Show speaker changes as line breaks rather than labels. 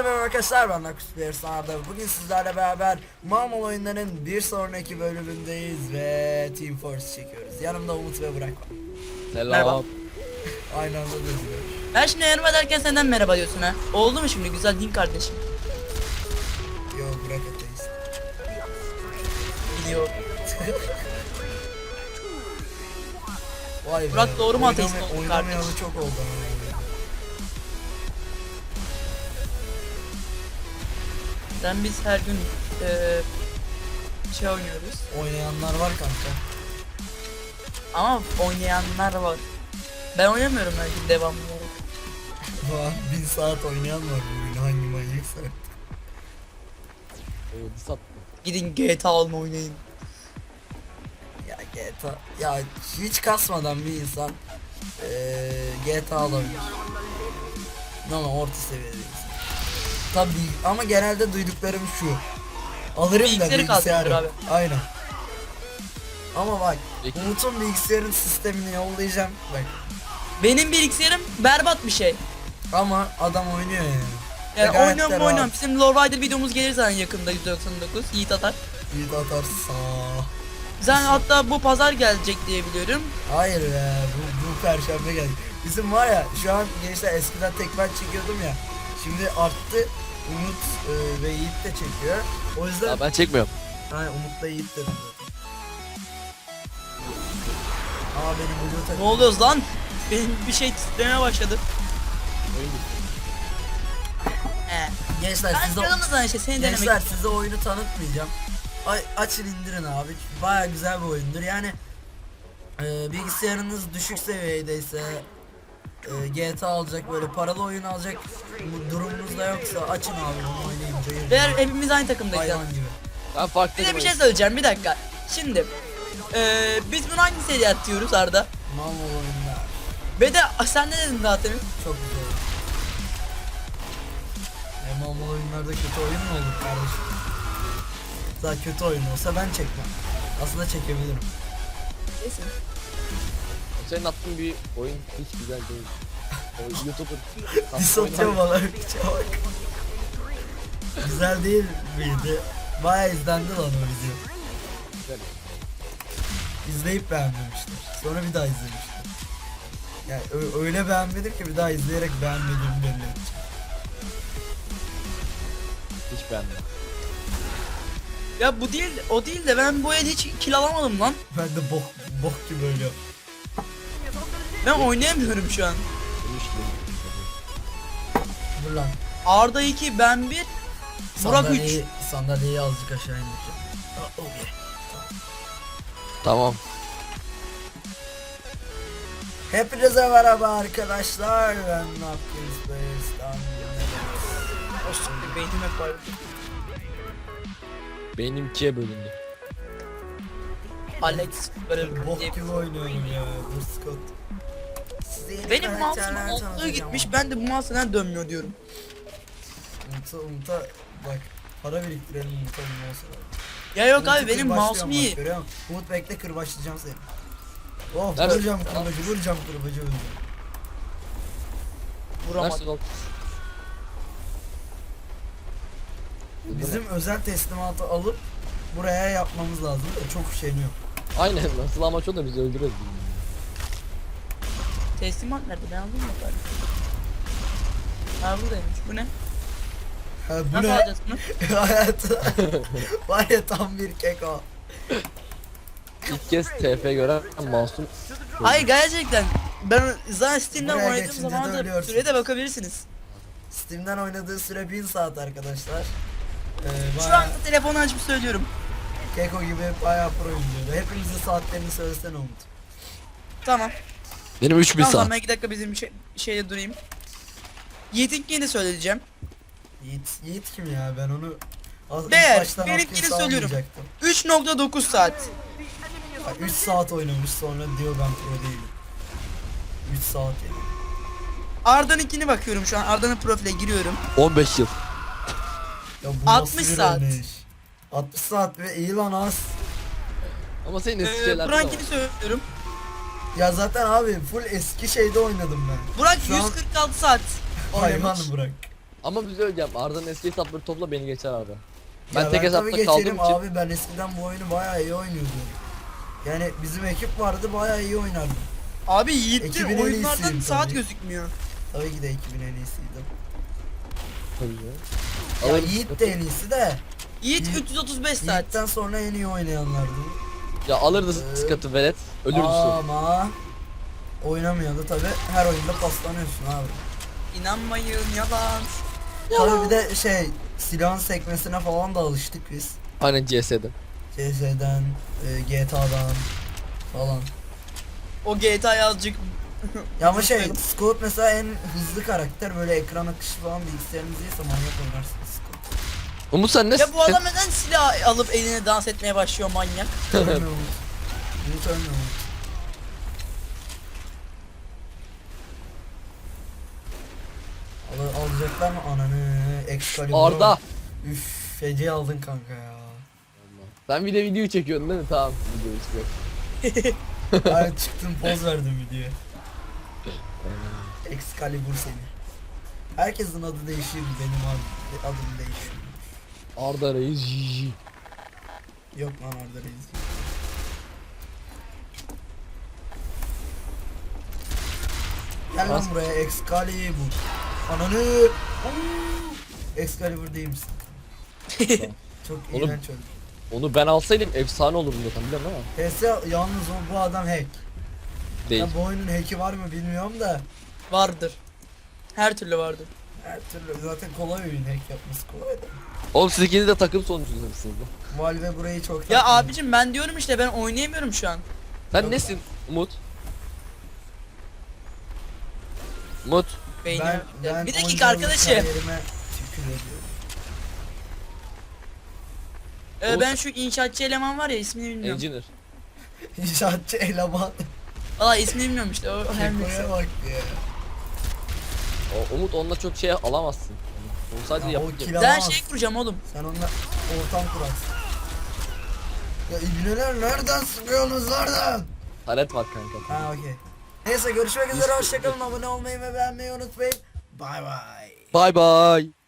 merhaba arkadaşlar, ben Nakus Arda. Bugün sizlerle beraber Mamul oyunların bir sonraki bölümündeyiz ve Team Force çekiyoruz. Yanımda Umut ve Burak var.
Selam.
Merhaba.
Aynı anda dönüyor.
Ben şimdi merhaba derken senden merhaba diyorsun ha. Oldu mu şimdi güzel din kardeşim?
Yo, Burak ateist.
Gidiyor.
Vay be.
Burak doğru mu ateist oldu
Oynamayalı
kardeş?
çok oldu.
Sen biz her gün şey oynuyoruz.
Oynayanlar var kanka.
Ama oynayanlar var. Ben oynamıyorum belki devamlı olarak.
Vah, 1000 saat oynayan var bu oyunu, hangi manyaksa.
Sat.
Gidin GTA alma oynayın.
Ya GTA, ya hiç kasmadan bir insan GTA alabilir. Ama orta seviyedeyiz. Tabii ama genelde duyduklarım şu. Alırım da
Bilgisayarı
bilgisayarı.
kaldırır abi.
Aynen. Ama bak,
Peki.
Umut'un bilgisayarın sistemini yollayacağım bak.
Benim bilgisayarım berbat bir şey.
Ama adam oynuyor yani. Ve
Yani
gayet de
oynuyorum.
rahat.
Bizim Lord Rider videomuz gelir zaten yakında 199. Yiğit atar.
İyi de atarsa.
Sen hatta bu pazar gelecek diye biliyorum.
Hayır ya, bu perşembe geldi. Bizim var ya, şu an gençler, eskiden tek ben çekiyordum ya. Şimdi arttı. Umut ve Yiğit de çekiyor. O yüzden
Ya ben çekmiyorum.
Umut'la Yiğit dedim zaten. Aa, benim Blue
Ne
takım.
oluyoruz lan? Benim bir şey titremeye başladı.
Oyun bitti.
Gençler
Ben
size
canımızdan işte seni denemek.
gençler size oyunu tanıtmayacağım. Açın indirin abi. Baya güzel bir oyundur. Yani bilgisayarınız düşük seviyedeyse GTA alacak, böyle paralı oyun alacak bu durumunuz da yoksa açın abi, bunu oynayın. Cayır
Eğer
cayır.
hepimiz aynı takımdayız.
Hayvan gibi.
Ben farklı
Bir de bir şey söyleyeceğim bir dakika. Şimdi biz bunu hangi seriye atıyoruz Arda?
Mal oyunlar.
Ve de sen ne dedin zaten?
Çok güzel. Mal oyunlarda kötü oyun mu olur kardeşim? Daha kötü oyun olsa ben çekmem. Aslında çekebilirim.
Neyse.
Senin attığın bir oyun hiç güzel değil. O YouTuber.
Dis atıyor bana, piçe bak. Güzel değil miydi? Baya izlendi lan o video.
Güzel.
İzleyip beğenmemişler. Sonra bir daha izlemişler. Yani öyle beğenmedim ki bir daha izleyerek beğenmediğimi belli edeceğim.
Hiç beğenmedim.
Ya bu değil, o değil de ben bu el hiç kill alamadım lan.
Ben de bok gibi ölüyorum.
Ben oynayamıyorum şu an.
Hiç değil.
Dur lan.
Arda 2, ben 1, Burak 3.
Sandalyeyi azıcık aşağı indireceğim. Oh yeah.
Tamam.
Hepinize merhaba arkadaşlar. Ben Napkins Bears'tan.
Beynim hep var.
Beynim ikiye bölündü.
Alex böyle
Bok gibi oynuyorum ya. Dur Scott. Size yeni
benim mouse'um
karakterler
altlığı
tanıtacağım
gitmiş,
ama.
ben de bu mouse neden dönmüyor diyorum.
Umut'a bak. Para biriktirelim Umut'a bir mouse alalım.
Ya yok
Umut'u
abi benim
kırbaçlıyorum
mouse'um
bak,
iyi.
görüyor musun? Umut bekle, kırbaçlayacağım seni. Oh,
Nerede?
vuracağım kırbacı.
Vuramadım.
Nasıl oldu?
Bizim özel teslimatı alıp buraya yapmamız lazım da çok üşeniyor.
Aynen nasıl amaç o da bizi öldürüyor.
Teslimat nerede? Ben aldım mı bari? Ha buradaymış. Bu ne?
Ha, bu
Nasıl
ne?
alacağız bunu?
Hayatı var ya, tam bir keko.
İlk kez TF gören masum.
Hayır gerçekten. Ben zaten Steam'den
Buraya
oynadığım
geçince
zaman
de
da
ölüyorsun.
süreye de bakabilirsiniz.
Steam'den oynadığı süre 1000 saat arkadaşlar.
Şu
Bayağı
anda telefonu açıp söylüyorum.
keko gibi bayağı pro oynuyordu. Hepimizin saatlerini söylesene Umut.
Tamam.
Benim 3000
Tamam
saat.
ben 2 dakika bizim şeyde durayım. Yiğit'inkini de söyleyeceğim.
Yiğit kim ya, ben onu
Değer,
baştan
benimkini
Hopkins'e
söylüyorum.
almayacaktım.
3.9 saat.
Bak, 3 saat oynamış, sonra diyor ben pro değilim. 3 saat yani.
Arda'nınkini bakıyorum şu an. Arda'nın profiline giriyorum.
15 yıl.
Ya bu
60
nasıl bir
saat.
oynayış? 60 saat ve iyi lan az.
Ama senin eski şeyler de var.
Burak'ınkini söylüyorum.
Ya zaten abi full eski şeyde oynadım ben.
Burak
Şu an
146 saat
hayvan
oynamış.
Burak.
Ama bir şey söyleyeceğim. Arda'nın eski hesapları topla beni geçer Arda. Ben
Ya
tek
tabii
hesapta kaldığım
geçerim
için.
abi, ben eskiden bu oyunu bayağı iyi oynuyordum. Yani bizim ekip vardı, bayağı iyi oynardım.
Abi Yiğit'in
Ekibin en
oyunlardan
iyisiyim
saat
tabii.
gözükmüyor.
Tabii ki de ekibin en iyisiydim.
Tabii ya.
Ya
Alırım.
Yiğit de en iyisi de.
Yiğit
Yiğit-
335 saat.
Yiğit'ten sonra en iyi oynayanlardı.
Ya alırdı sıkıntı velet. Ölürdü sonra.
Ama oynamıyordu tabi. Her oyunda paslanıyorsun abi.
İnanmayın yalan.
Tabi bir de silahın sekmesine falan da alıştık biz.
Aynen CS'de.
CS'den, GTA'dan falan.
O GTA azıcık
Ya ama Scott mesela en hızlı karakter, böyle ekran akışı falan bilgisayarınız iyiyse manyak oynarsınız Scott.
Umut sen ne?
Ya bu adam neden silah alıp eline dans etmeye başlıyor manyak?
Ölmüyor Umut. Umut ölmüyor Umut. Alacaklar mı ananı? Excalibur.
Arda.
Üf, feci aldın kanka ya.
Sen bir de video çekiyordun değil mi? Tamam. Video çekiyorum.
Ben çıktım, poz verdim videoya. Excalibur seni. Herkesin adı değişiyor, benim adım değişiyor.
Arda Reis GG.
Yok lan orada reis. Gel lan
Nasıl?
buraya Excalibur. Ananı. Excalibur değil misin? Çok
Oğlum,
iğrenç oldu.
Onu ben alsaydım efsane olurdum zaten biliyor musun ama?
PS yalnız bu adam hack.
Değil.
Ya bu oyunun hack'i var mı bilmiyorum da.
Vardır. Her türlü vardır.
Her türlü zaten kolay oyun, hack yapması kolay da.
Oğlum siz ikiniz de takım sonucusunuz lan.
Valve burayı çok
Ya
takmıyor.
abicim ben diyorum işte ben oynayamıyorum şu an.
Sen
Yok.
nesin Umut? Umut.
Beynim.
Ben
Bir
10
dakika arkadaşım.
kariyerime tükür ediyorum.
Ben şu inşaatçı eleman var ya ismini bilmiyorum.
Engineer.
İnşaatçı eleman.
Valla ismini bilmiyorum işte o her neyse.
Kekoya bak ya.
O, Umut onunla çok şey alamazsın. Onu sadece
Ya o
yapıp
kill
Ben
alamaz.
şey kuracağım oğlum.
Sen onunla ortam kurarsın. Ya ibneler nereden sıkıyorsunuz nereden?
taret var kanka.
Ha okey. Neyse görüşmek üzere, hoşçakalın, abone olmayı ve beğenmeyi unutmayın. Bay bay.
Bye bye.